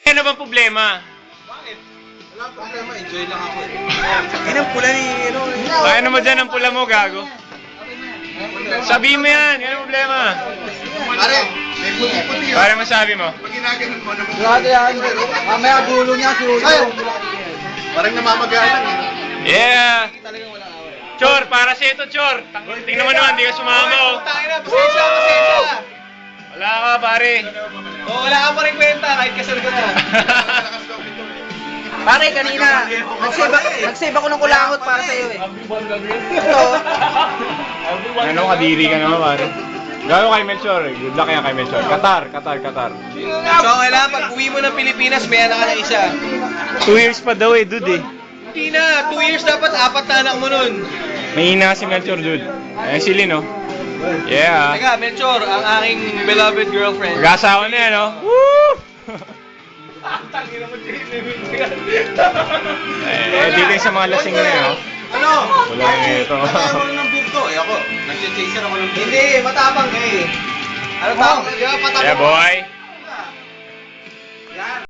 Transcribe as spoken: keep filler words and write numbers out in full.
Ano bang problema? Bakit? Wala problema, enjoy lang ako. Yan ang pula ni ano. Kaya naman dyan ang pula mo, gago. Sabihin mo yan, yan ang problema. Pare, may puti-puti Para masabi mo. Pag ginaganon mo, naman. Grabe yan. Mamaya gulo niya si Ulo. Parang namamagalan eh. Yeah! Chor, para sa ito, Chor. Tang- Tingnan mo naman, di ka sumama, oh. Tangina, pasensya, pasensya. Wala ka, pare. Oh, wala ka pa rin kwenta kahit kasal ka na. Pare, kanina, nag-save, nag-save ako ng kulangot para sa'yo eh. Ito. Ano, kadiri ka naman, pare. Gago kay Melchor, eh. Good luck yan kay Melchor. Qatar, Qatar, Qatar. So, kailangan pag uwi mo ng Pilipinas, may anak ka na isa. Two years pa daw eh, dude eh. Hindi na, two years dapat, apat na anak mo nun. Mahina si Melchor, dude. Ayun si Lynn, oh. Yeah. Teka, Melchor, ang aking beloved girlfriend. Mag-asawa na yan, oh. Woo! eh, dito yung sa mga lasing na yan, oh. Ano? Wala nga ito. Kaya mo ng bugto eh ako. Nag-chaser ako ng bugto. Hindi, matapang ka eh. Ano tawag? Di ba, patapang? Yeah, boy.